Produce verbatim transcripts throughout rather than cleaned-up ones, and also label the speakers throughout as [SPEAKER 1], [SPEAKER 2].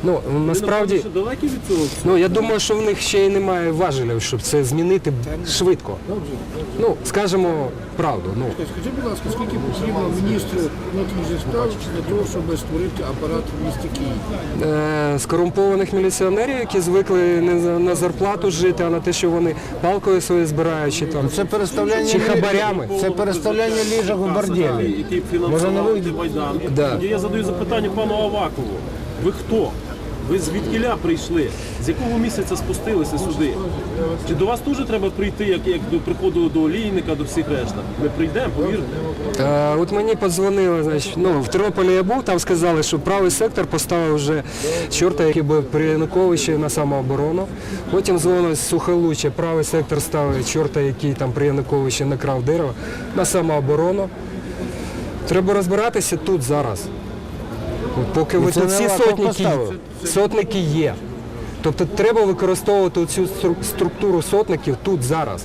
[SPEAKER 1] Ну, насправді,
[SPEAKER 2] Ви, напевно, далекі від цього?
[SPEAKER 1] ну, я думаю, що в них ще й немає важелів, щоб це змінити швидко. Ну, скажемо правду. Ну.
[SPEAKER 3] Скажіть, будь ласка, скільки потрібно міністру внутрішніх справ для того, щоб створити апарат в місті Києві?
[SPEAKER 1] Е, скорумпованих міліціонерів, які звикли не за- на зарплату жити, а на те, що вони палкою свою збирають, чи, там,
[SPEAKER 4] Це переставляння
[SPEAKER 1] чи хабарями.
[SPEAKER 4] Це переставляння ліжок у борделі.
[SPEAKER 2] Який фінансував цей Майдан.
[SPEAKER 1] Да.
[SPEAKER 2] Тоді я задаю запитання пану Авакову. Ви хто? Ви звідкіля прийшли? З якого місяця спустилися сюди? Чи до вас теж треба прийти, як, як до приходу до олійника, до всіх решта? Ми прийдемо, повірте.
[SPEAKER 1] Е, от мені подзвонили, значить, ну, в Тернополі я був, там сказали, що правий сектор поставив вже чорта, який був при Януковичі на самооборону. Потім дзвонили з Сухолуччя, правий сектор ставить чорта, який там при Януковичі накрав дерево, на самооборону. Треба розбиратися тут зараз. От поки ви
[SPEAKER 4] це
[SPEAKER 1] тут
[SPEAKER 4] не
[SPEAKER 1] всі
[SPEAKER 4] Аваков
[SPEAKER 1] сотники,
[SPEAKER 4] поставив.
[SPEAKER 1] сотники є. Тобто треба використовувати цю структуру сотників тут зараз.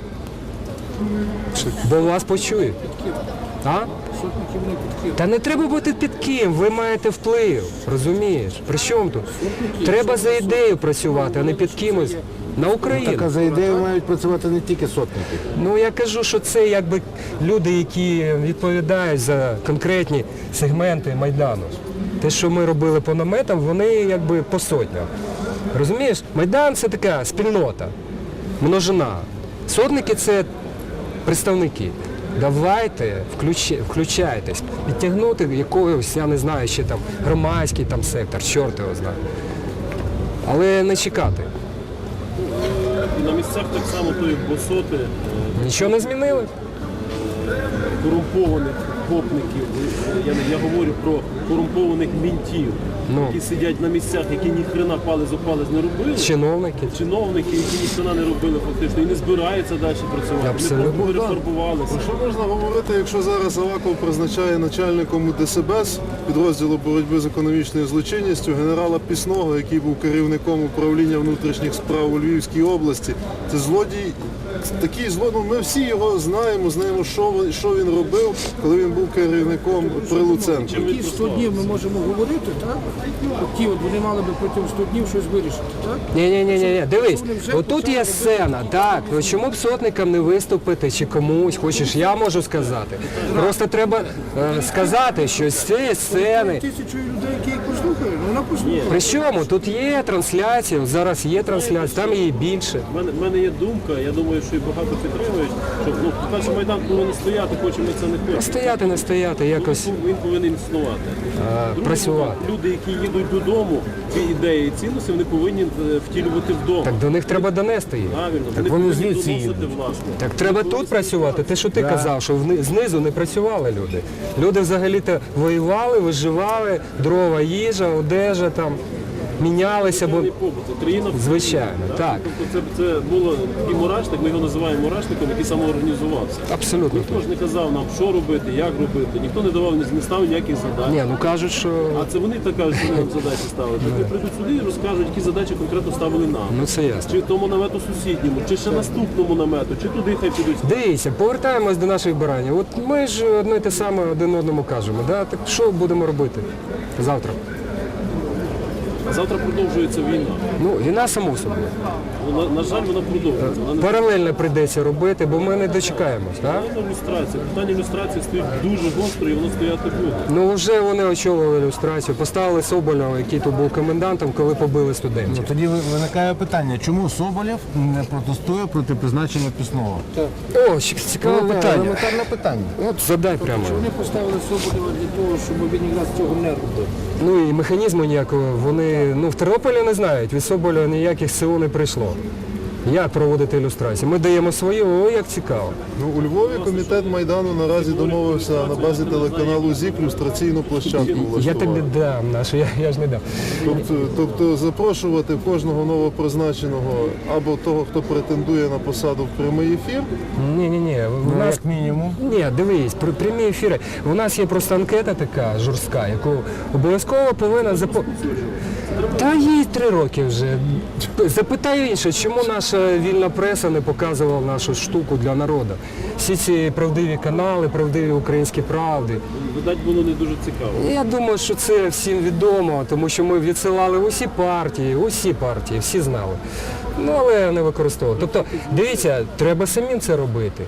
[SPEAKER 1] Бо вас почують. А?
[SPEAKER 3] Сотників не під Києвом.
[SPEAKER 1] Та не треба бути під ким, ви маєте вплив, розумієш? При чому тут? Треба за ідею працювати, а не під кимось. На
[SPEAKER 4] Так, а
[SPEAKER 1] Україну.
[SPEAKER 4] за ідею мають працювати не тільки сотники.
[SPEAKER 1] Ну я кажу, що це якби люди, які відповідають за конкретні сегменти Майдану. Те, що ми робили по наметам, вони якби по сотням. Розумієш? Майдан це така спільнота, множина. Сотники це представники. Давайте включи- включайтесь, підтягнути якогось, я не знаю, ще там громадський там сектор, чорт його знає. Але не чекати.
[SPEAKER 2] І на місцях так само тої босоти, е,
[SPEAKER 1] Нічого не змінили.
[SPEAKER 2] корумпованих гопників. Я, не- я говорю про корумпованих мінтів,
[SPEAKER 1] Ну.
[SPEAKER 2] які сидять на місцях, які ні хрена палець о палець не робили.
[SPEAKER 1] Чиновники.
[SPEAKER 2] Чиновники, які ні хрена не робили фактично, і не збираються далі працювати.
[SPEAKER 1] Абсолютно.
[SPEAKER 2] Вони перефарбувалися.
[SPEAKER 5] Що можна говорити, якщо зараз Аваков призначає начальником ДСБС підрозділу боротьби з економічною злочинністю генерала Пісного, який був керівником управління внутрішніх справ у Львівській області. Це злодій, такий злодій, ми всі його знаємо, знаємо, що, він- що він робив, коли він був керівником при Луценку.
[SPEAKER 3] Які сто днів ми можемо говорити, так? От ті, от вони мали би протягом сто днів щось вирішити, так?
[SPEAKER 1] Ні, ні, ні, ні, дивись,
[SPEAKER 3] Вони вже
[SPEAKER 1] отут
[SPEAKER 3] почали
[SPEAKER 1] є сцена, так, ну чому б сотникам не виступити чи комусь, хочеш, я можу сказати. Просто треба е, сказати, що з цієї сцени.
[SPEAKER 3] Тисячу людей, які їх послухають, ну, вона послухає.
[SPEAKER 1] При чому? Тут є трансляція, зараз є трансляція, там її більше.
[SPEAKER 2] У мене, в мене є думка, я думаю, що і багато підтримують, що ну, по-перше, Майдан повинен стояти, хочемо ми це не хочемо.
[SPEAKER 1] Стояти, не стояти, якось
[SPEAKER 2] Він повинен існувати.
[SPEAKER 1] а,
[SPEAKER 2] Друге,
[SPEAKER 1] працювати.
[SPEAKER 2] люди, які їдуть додому, ці ідеї і цінності, вони повинні е, втілювати вдома.
[SPEAKER 1] Так до них треба донести їх.
[SPEAKER 2] Правильно,
[SPEAKER 4] вони
[SPEAKER 2] повинні
[SPEAKER 4] звідси
[SPEAKER 2] доносити,
[SPEAKER 4] їдуть.
[SPEAKER 2] власне.
[SPEAKER 1] Так треба тут працювати. Те, що ти казав, що вни- знизу не працювали люди. Люди взагалі-то воювали, виживали, дрова, їжа, одежа там, мінялися, бо
[SPEAKER 2] Соціальний побут. Це країна в
[SPEAKER 1] звичайно, так.
[SPEAKER 2] Тобто це, це було такий мурашник, ми його називаємо мурашником, який самоорганізувався.
[SPEAKER 1] Абсолютно.
[SPEAKER 2] Ніхто ж не казав нам, що робити, як робити, ніхто не давав, не ставив ніяких задач.
[SPEAKER 1] Ні, ну кажуть, що
[SPEAKER 2] А це вони так кажуть, що нам задачі ставили. Так вони прийдуть сюди і розкажуть, які задачі конкретно ставили нам.
[SPEAKER 1] ну це ясно.
[SPEAKER 2] Чи тому намету сусідньому, чи ще наступному намету, чи туди хай підуть.
[SPEAKER 1] Дивіться, повертаємось до наших баранів. От ми ж одне й те саме один одному кажемо. Да? Так що будемо робити завтра?
[SPEAKER 2] А завтра продовжується війна.
[SPEAKER 1] Ну, війна само собою.
[SPEAKER 2] Ну, на, на жаль, вона продовжується. Вона не
[SPEAKER 1] Паралельно прийдеться робити, бо ми не дочекаємось. Так?
[SPEAKER 2] Питання люстрації. Питання люстрації стоїть дуже гостро і воно стояти буде.
[SPEAKER 1] Ну вже вони очолили люстрацію, поставили Соболєва, який тут був комендантом, коли побили студентів.
[SPEAKER 4] Ну, тоді ви- виникає питання, чому Соболєв не протестує проти призначення Пісного?
[SPEAKER 1] О, ще цікаве
[SPEAKER 4] Ну,
[SPEAKER 1] питання.
[SPEAKER 4] елементарне питання.
[SPEAKER 1] От задай прямо.
[SPEAKER 3] Вони поставили Соболєва для того, щоб він якраз цього не робив.
[SPEAKER 1] Ну і механізму ніякого вони ну в Тернополі не знають. Від Соболєва ніяких СО не прийшло. Як проводити ілюстрацію? Ми даємо свої, о, як цікаво.
[SPEAKER 5] Ну, у Львові комітет Майдану наразі домовився на базі телеканалу ЗІК люстраційну площадку
[SPEAKER 1] Я
[SPEAKER 5] влаштувати.
[SPEAKER 1] тобі дам, нашу, я, я ж не дам.
[SPEAKER 5] Тобто, тобто запрошувати кожного новопризначеного або того, хто претендує на посаду в прямий ефір.
[SPEAKER 1] Ні, ні, ні. У
[SPEAKER 4] Ну,
[SPEAKER 1] нас
[SPEAKER 4] як мінімум.
[SPEAKER 1] ні, дивись, при прямі ефіри. У нас є просто анкета така жорстка, яку обов'язково повинна запо... Та їй три роки вже. Запитаю інше, чому наша вільна преса не показувала нашу штуку для народу? Всі ці правдиві канали, правдиві українські правди.
[SPEAKER 2] Видать, було не дуже цікаво.
[SPEAKER 1] Я думаю, що це всім відомо, тому що ми відсилали в усі партії, усі партії, всі знали. Ну, але не використовували. Тобто, дивіться, треба самим це робити.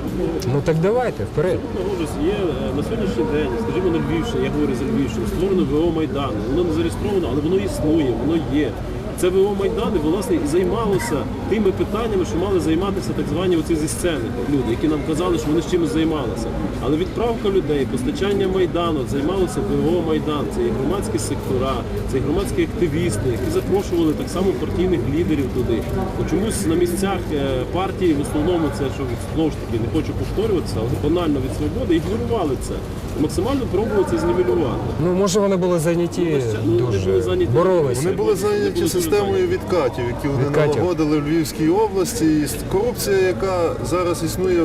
[SPEAKER 1] Ну так давайте, вперед.
[SPEAKER 2] Ужас є е, на сьогоднішній день, скажімо, на Львівщині, я говорю за Львівщину, створено ВО Майдану. Воно не зареєстровано, але воно існує, воно є. Це ВО Майдану, власне, і займалося тими питаннями, що мали займатися так звані оці зі сцени люди, які нам казали, що вони з чимось займалися. Але відправка людей, постачання Майдану, займалося ВО Майдан. Це і громадські сектора, це і громадські активісти, які запрошували так само партійних лідерів туди. От чомусь на місцях е, партії, в основному це, що знову ж таки, не хочу повторюватися, але банально від свободи, ігнорували це. Максимально пробували це знівелювати.
[SPEAKER 1] Ну, може, вони були зайняті
[SPEAKER 2] Ну, вони
[SPEAKER 1] дуже,
[SPEAKER 2] були зайняті.
[SPEAKER 1] боролися.
[SPEAKER 5] Вони були зайняті системою відкатів, які вони
[SPEAKER 1] Відкатів.
[SPEAKER 5] налагодили в Львівській області. І корупція, яка зараз існує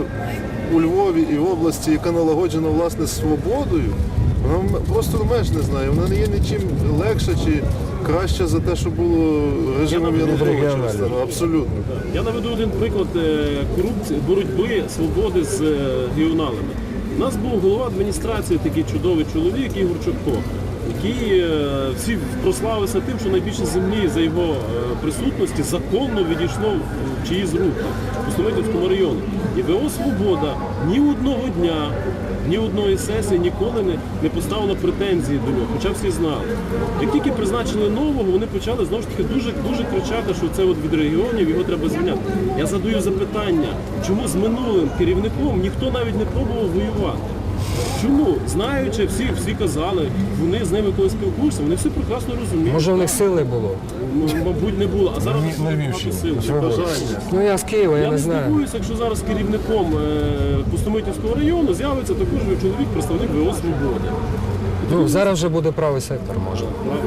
[SPEAKER 5] у Львові і в області, яка налагоджена власне свободою, вона м- просто меж не знає. Вона не є нічим легша чи краща за те, що було режимом
[SPEAKER 2] Я наведу
[SPEAKER 5] Януковича.
[SPEAKER 1] регіонально.
[SPEAKER 5] Абсолютно.
[SPEAKER 2] Я наведу один приклад е, корупції, боротьби свободи з е, регіоналами. У нас був голова адміністрації, такий чудовий чоловік Ігор Чорко, який е, всі прославився тим, що найбільше землі за його е, присутності законно відійшло в чиїсь руки у Столетівському районі. І ВО «Свобода» ні одного дня, ні одної сесії ніколи не, не поставила претензії до нього, хоча всі знали. Як тільки призначили нового, вони почали знову ж таки дуже, дуже кричати, що це от від регіонів, його треба звільняти. Я задаю запитання, чому з минулим керівником ніхто навіть не пробував воювати? Чому? Знаючи, всі, всі казали, вони з ними коли спілкуються, вони всі прекрасно розуміють.
[SPEAKER 1] Може, в них сили було.
[SPEAKER 2] Ну, мабуть, не було. А зараз
[SPEAKER 4] На Львівщині.
[SPEAKER 2] сил, чи бажання.
[SPEAKER 1] Ну, я з Києва, я
[SPEAKER 2] Я
[SPEAKER 1] не
[SPEAKER 2] не
[SPEAKER 1] знаю.
[SPEAKER 2] здивуюся, якщо зараз керівником е, Пустомитівського району з'явиться також чоловік, представник ВО «Свободи».
[SPEAKER 1] Ну, зараз вже буде правий сектор, може.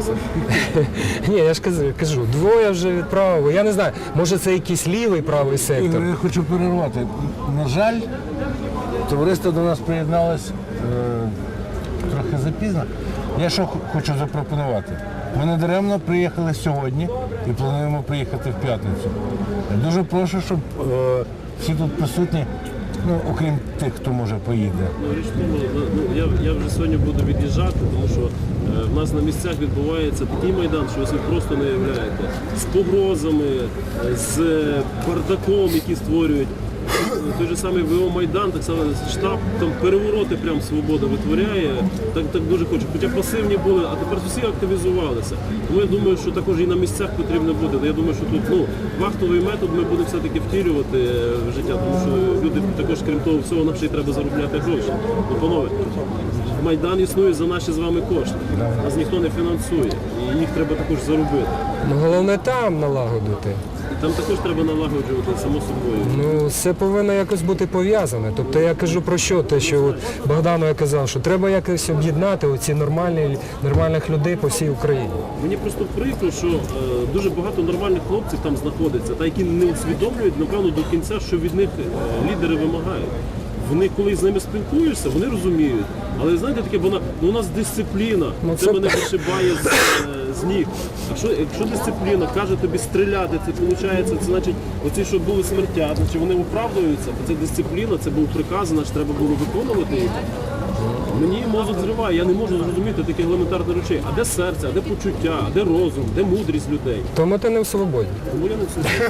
[SPEAKER 1] Ні, я ж кажу, кажу, двоє вже відправили. Я не знаю, може це якийсь лівий правий сектор.
[SPEAKER 4] Ігор, я хочу перервати. На жаль, товариство до нас приєдналось е, трохи запізно. Я що х- хочу запропонувати? Ми не даремно приїхали сьогодні і плануємо приїхати в п'ятницю. Я дуже прошу, щоб е, всі тут присутні, ну, окрім тих, хто може поїде.
[SPEAKER 2] Ну, річ в тому, ну, я, я вже сьогодні буду від'їжджати, тому що е, в нас на місцях відбувається такий майдан, що ви собі просто не уявляєте. З погрозами, е, з бардаком, який створюють. Той же самий ВО Майдан, так само штаб, там перевороти прям свобода витворяє, так, так дуже хоче. Хоча пасивні були, а тепер всі активізувалися. Тому я думаю, що також і на місцях потрібно буде. Я думаю, що тут ну, вахтовий метод ми будемо все-таки втілювати в життя, тому що люди також, крім того всього, нам ще й треба заробляти гроші. Ну, панове, Майдан існує за наші з вами кошти. Нас ніхто не фінансує, і їх треба також заробити.
[SPEAKER 1] Ну, головне там налагодити.
[SPEAKER 2] Там також треба налагоджувати, само собою.
[SPEAKER 1] Ну, це повинно якось бути пов'язане. Тобто я кажу про що? Те, що от Богдану я казав, що треба якось об'єднати оці нормальні, нормальних людей по всій Україні.
[SPEAKER 2] Мені просто прикро, що е, дуже багато нормальних хлопців там знаходиться, та які не усвідомлюють, напевно, до кінця, що від них е, лідери вимагають. Вони, коли з ними спілкуєшся, вони розуміють. Але знаєте, таке, вона, ну, у нас дисципліна,
[SPEAKER 1] Ну,
[SPEAKER 2] це,
[SPEAKER 1] це-
[SPEAKER 2] мене вишибає з, е, з ніг. Якщо, якщо дисципліна каже тобі стріляти, це виходить, це значить, оці, що були смертя, значить вони оправдуються, бо це дисципліна, це був приказ, значить треба було виконувати їх. Мені мозок зриває, я не можу зрозуміти таких елементарних речей. А де серце, а де почуття, а де розум, де мудрість людей?
[SPEAKER 1] Тому ти не в свободі.
[SPEAKER 2] Тому я не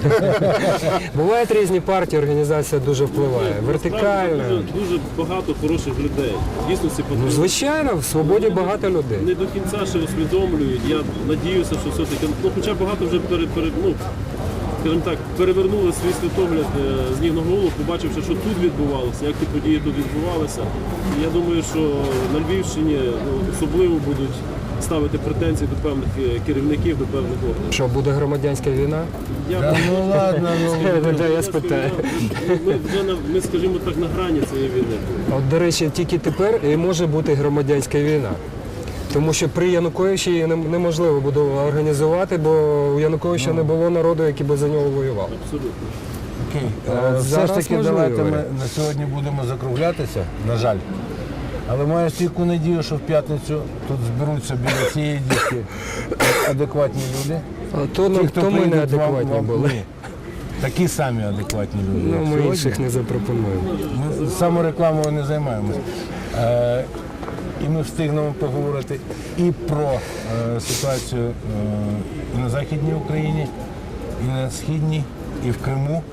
[SPEAKER 2] все.
[SPEAKER 1] Бувають різні партії, організація дуже впливає. Вертикальна.
[SPEAKER 2] Дуже, дуже багато хороших людей. Дійсно, всі
[SPEAKER 1] Ну,
[SPEAKER 2] потрібні.
[SPEAKER 1] звичайно, в свободі багато людей.
[SPEAKER 2] Не до кінця ще усвідомлюють. Я надіюся, що все-таки, ну, хоча багато вже пере, пере, ну, скажімо так, перевернули свій світогляд е, з ніг на голову, побачивши, що тут відбувалося, як ті події тут відбувалися. І я думаю, що на Львівщині ну, особливо будуть ставити претензії до певних е, керівників, до певних органів.
[SPEAKER 1] Що, буде громадянська війна?
[SPEAKER 2] Я
[SPEAKER 4] Та ну ладно, ну.
[SPEAKER 1] Та я спитаю.
[SPEAKER 2] Ми вже на ми, скажімо так, на грані цієї війни.
[SPEAKER 1] От, до речі, тільки тепер і може бути громадянська війна. Тому що при Януковичі її не- неможливо буде організувати, бо у Януковича не було народу, який би за нього воював.
[SPEAKER 2] Абсолютно.
[SPEAKER 4] Окей.
[SPEAKER 1] А
[SPEAKER 4] Е, Все
[SPEAKER 1] зараз
[SPEAKER 4] ж таки,
[SPEAKER 1] можливо,
[SPEAKER 4] давайте ми
[SPEAKER 1] варіант.
[SPEAKER 4] на сьогодні будемо закруглятися, на жаль. Але маю стійку надію, що в п'ятницю тут зберуться біля цієї дітки адекватні люди.
[SPEAKER 1] А то,
[SPEAKER 4] Ті,
[SPEAKER 1] ну,
[SPEAKER 4] хто
[SPEAKER 1] то ми не
[SPEAKER 4] прийдуть, вам-
[SPEAKER 1] адекватні
[SPEAKER 4] вам-
[SPEAKER 1] були.
[SPEAKER 4] ні. Такі самі адекватні люди.
[SPEAKER 1] Ну,
[SPEAKER 4] як
[SPEAKER 1] ми
[SPEAKER 4] сьогодні.
[SPEAKER 1] інших не запропонуємо.
[SPEAKER 4] Ми саморекламою не займаємося. Е, і ми встигнемо поговорити і про е, ситуацію е, і на Західній Україні, і на Східній, і в Криму.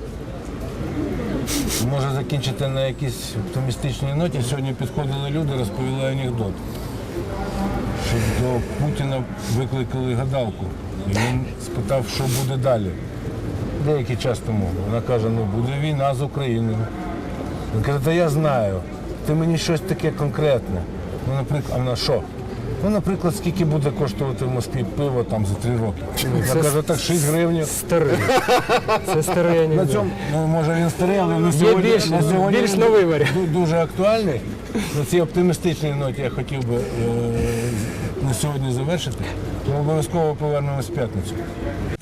[SPEAKER 4] Може закінчити на якійсь оптимістичній ноті. Сьогодні підходили люди, розповіли анекдот, що до Путіна викликали гадалку. І він спитав, що буде далі. Деякий час тому. Вона каже, ну буде війна з Україною. Він каже, та я знаю, ти мені щось таке конкретне. Ну, наприклад, а вона що? Ну, наприклад, скільки буде коштувати в Москві пиво там за три роки?
[SPEAKER 1] це
[SPEAKER 4] Я кажу, так шість гривень.
[SPEAKER 1] Старий. Це старий
[SPEAKER 4] На
[SPEAKER 1] анекдот.
[SPEAKER 4] цьому, ну, може він старий, але на сьогодні,
[SPEAKER 1] більш-
[SPEAKER 4] на сьогодні
[SPEAKER 1] більш
[SPEAKER 4] він
[SPEAKER 1] новий варіант.
[SPEAKER 4] ду- дуже актуальний. На цій оптимістичній ноті я хотів би е, на сьогодні завершити. Ми обов'язково повернемось в п'ятницю.